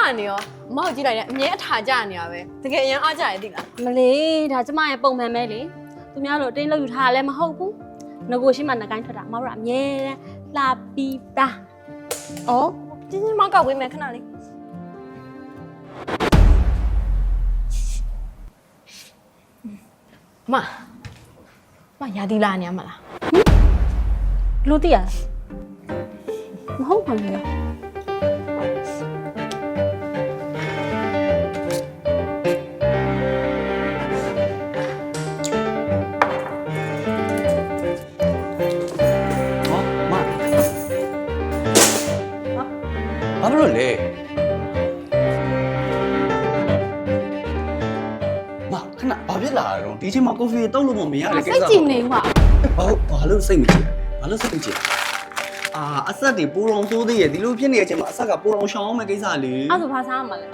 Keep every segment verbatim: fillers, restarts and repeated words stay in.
နေရောမောက်ကြည့်လိုက်တယ်အမြဲအထာကြနေရပဲတကယ်အရင်အားကြရသိလားမလေးဒါကျမရဲ့ပုံမှန်ပဲလေသူများတို့အတင်းလောက်ယူထားလည်းမဟုတ်ဘူးငကိုရှိမှနှကိုင်းထွက်တာမဟုတ်ရအမြဲလှပြီးသားဩတင်းတင်းမောက်ကောက်ဝေးမယ်ခဏလေးမမရာဒီလာနေရမလားလို့တည်ရမဟုတ်ပါဘူးဘာလို့လဲမခဏဘာဖြစ်လာတော့ဒီချိန်မှာကော်ဖီတောက်လို့မရတဲ့ကိစ္စစိတ်ကြည်နေကွာဘာဘာလို့စိတ်မကြည့်ဘာလို့စိတ်မကြည့်အာအဆက်တွေပိုးတော်ဆိုးသေးရဲ့ဒီလိုဖြစ်နေတဲ့အချိန်မှာအဆက်ကပိုးတော်ရှောင်းအောင်မဲ့ကိစ္စလေအဲ့ဆိုဘာစားမှာလဲ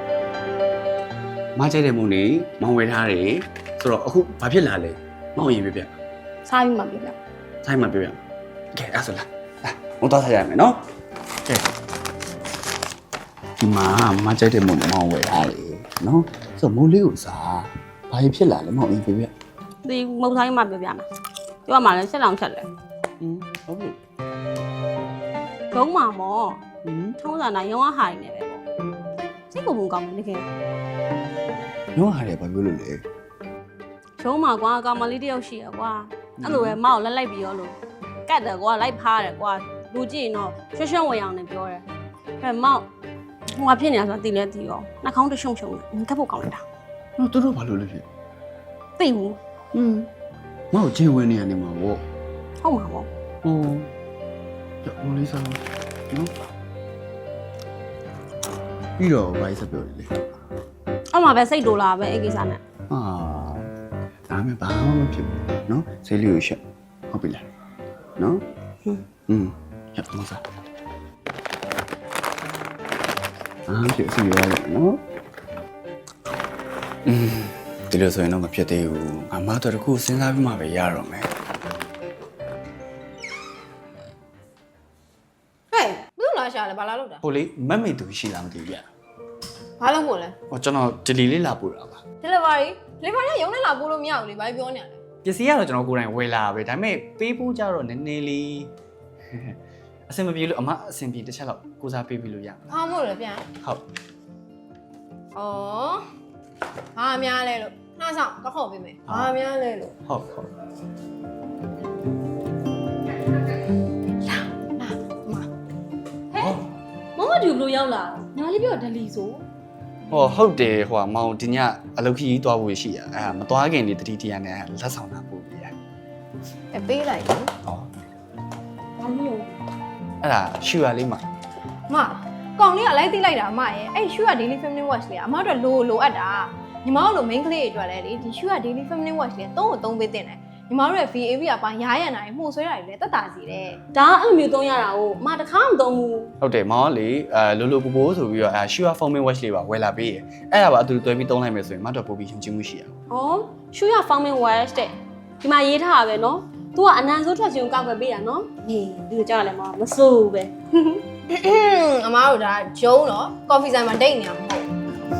မကြိုက်တဲ့မုံနေမောင်ဝယ်ထားတယ်ဆိုတော့အခုဘာဖြစ်လာလဲမောင်ရင်ပြပြစားပြီးမှပြပြဆိုင်မှာပြပြကဲအဲ့ဆိုလာလာမတော်ထားရမယ်နော်ကဲဒီမှာမကြိုက်တဲ့မုံမောင်ဝယ်ထားတယ်နော်ဆိုတော့မုံလေးကိုစားဘာဖြစ်လာလဲမောင်ရင်ပြပြဒီမုတ်ဆိုင်မှပြပြမှာပြောမှလည်းဆက်လောင်ချက်လဲอืมဟုတ်ပြီဒုံးမှာမောอืมထုံးစံတိုင်းရောင်းဟာနေတယ်ပေါ့စိတ်ကိုမကောင်းဘူးတကယ်ရောဟာတယ်ဘာပြောလို့လဲရုံးမှာကွာကောင်မလေးတယောက်ရှိရကွာအဲ့လိုပဲမောက်လက်လိုက်ပြီးရောလို့ကတ်တယ်ကွာလိုက်ဖားတယ်ကွာလူကြည့်ရင်တော့ရွှွှွှွဝင်အောင်နေပြောတယ်အဲ့မောက်ဟိုကဖြစ်နေတာဆိုတာသိလဲသိရောနှာခေါင်းတရှုံရှုံနေကပ်ဖို့ကောင်းလိုက်တာနော်သူတို့ဘာလို့လဲဖြစ်သိဘူးอืมမောက်ချင်းဝင်နေရနေမှာဗောဟုတ်မှာပေါ့ဟိုရမလေးစားနော်ပြီးတော့ဘာဆက်ပြောလဲအဲ့မှာပဲစိတ်တိုလာပဲအဲ့ကိစ္စနဲ့ဟာဒါမှဘာမှမဖြစ်ဘူးနော်ဆေးလေးကိုရှက်ဟုတ်ပြီလားနော်ဟွန်းอืมရမစားအားဖြစ်စီရတယ်နော်อืมဒီလိုဆိုရင်တော့မဖြစ်သေးဘူးအမတော်တခုစဉ်းစားပြီးမှပဲရတော့မယ်ဟဲ့ဘယ်လိုလာရှာလဲဘာလာလို့တာဟိုလေမက်မေတူရှိလားမသိဘူးဗျာဘာလို့မို့လဲဟောကျွန်တော်ဒလီလေးလာပို့တာပါ delivery delivery ရုံးနဲ့လာပို့လို့မရဘူးလေဘာပြောနေရလဲပစ္စည်းကတော့ကျွန်တော်ကိုယ်တိုင်ဝယ်လာပဲဒါပေမဲ့ပေးဖို့ကြတော့နည်းနည်းလေးအဆင်မပြေလို့အမအဆင်ပြေတစ်ချက်လောက်ကိုစားပေးပြီးလို့ရမှာဘာမို့လဲပြန်ဟုတ်ဩဘာများလဲလို့နှာဆောင်တော့ခေါ်ပေးမယ်ဘာများလဲလို့ဟုတ်ဟုတ်မမတူဘလို့ရောက်လာညီမလေးပြောဒလီဆိုဟောဟုတ်တယ်ဟိုကမောင်ဒီညအလုပ်ခကြီးသွားဖို့ရှိရအဲမသွားခင်နေတတိတရားနဲ့လက်ဆောင်တာပို့ပြီးရအပေးလိုက်တယ်ဟောဘာလို့အဲ့ဒါရှူရလေးမှာမကောင်လေးကလိုက်သိလိုက်တာအမရဲ့အဲ့ရှူက daily feminine watch လေးကအမတို့လိုလိုအပ်တာညီမတို့လို main ကလေးတွေအတွက်လည်းလေဒီရှူက daily feminine watch လေးသုံးကိုသုံးပေးတင်တယ်ညီမတို့ရဲ့ V A V ကပါရားရံတာတွေမှုဆွဲတာတွေလည်းတက်တာစီတယ်ဒါအဲ့လိုမျိုးသုံးရတာကိုအမတခါမှမသုံးဘူးဟုတ်တယ်မောင်ကလေအဲလိုလိုပူပူဆိုပြီးတော့အဲရှူရ foaming watch လေးပါဝယ်လာပေးရအဲ့ဒါပါအတူတူတွဲပြီးသုံးလိုက်မယ်ဆိုရင်မတ်တော့ပို့ပြီးရှင်ချင်းမှုရှိရအောင်ဩရှူရ foaming wash တဲ့ဒီမှာရေးထားတာပဲနော် तू ကအနံဆိုးထွက်ခြင်းကိုကောက်ွယ်ပေးတာနော်ဟေးဒီလိုကြောက်ရလဲမမစိုးဘူးပဲအမားတို့ဒါဂျုံတော့ကော်ဖီဆိုင်မှာဒိတ်နေရမှာမဟုတ်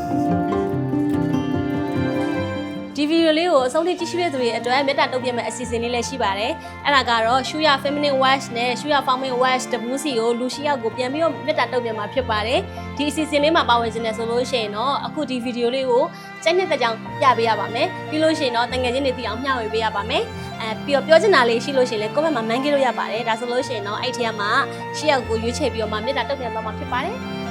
ဒီဗီဒီယိုလေးကိုအဆုံးထိကြည့်ရှုတဲ့သူတွေအတွက်မေတ္တာတုံ့ပြန်မဲ့အစီအစဉ်လေးလည်းရှိပါတယ်အဲ့ဒါကတော့ Shuya Feminine Wash နဲ့ Shuya Foaming Wash W C ကိုလူရှိရောက်ကိုပြန်ပြီးတော့မေတ္တာတုံ့ပြန်မှာဖြစ်ပါတယ်ဒီအစီအစဉ်လေးမှာပါဝင်ခြင်းနဲ့ဆိုလို့ရှိရင်တော့အခုဒီဗီဒီယိုလေးကိုစက်နှစ်သက်ကြောင်ပြပေးရပါမယ်ပြီးလို့ရှိရင်တော့တငယ်ချင်းတွေသိအောင်မျှဝေပေးရပါမယ်အဲပြီးတော့ပြောချင်တာလေးရှိလို့ရှိရင်လည်း comment မှာ man ခဲ့လို့ရပါတယ်ဒါဆိုလို့ရှိရင်တော့အဲ့ဒီထဲမှာရှေ့ရောက်ကိုရွေးချယ်ပြီးတော့မှမေတ္တာတုံ့ပြန်သွားမှာဖြစ်ပါတယ်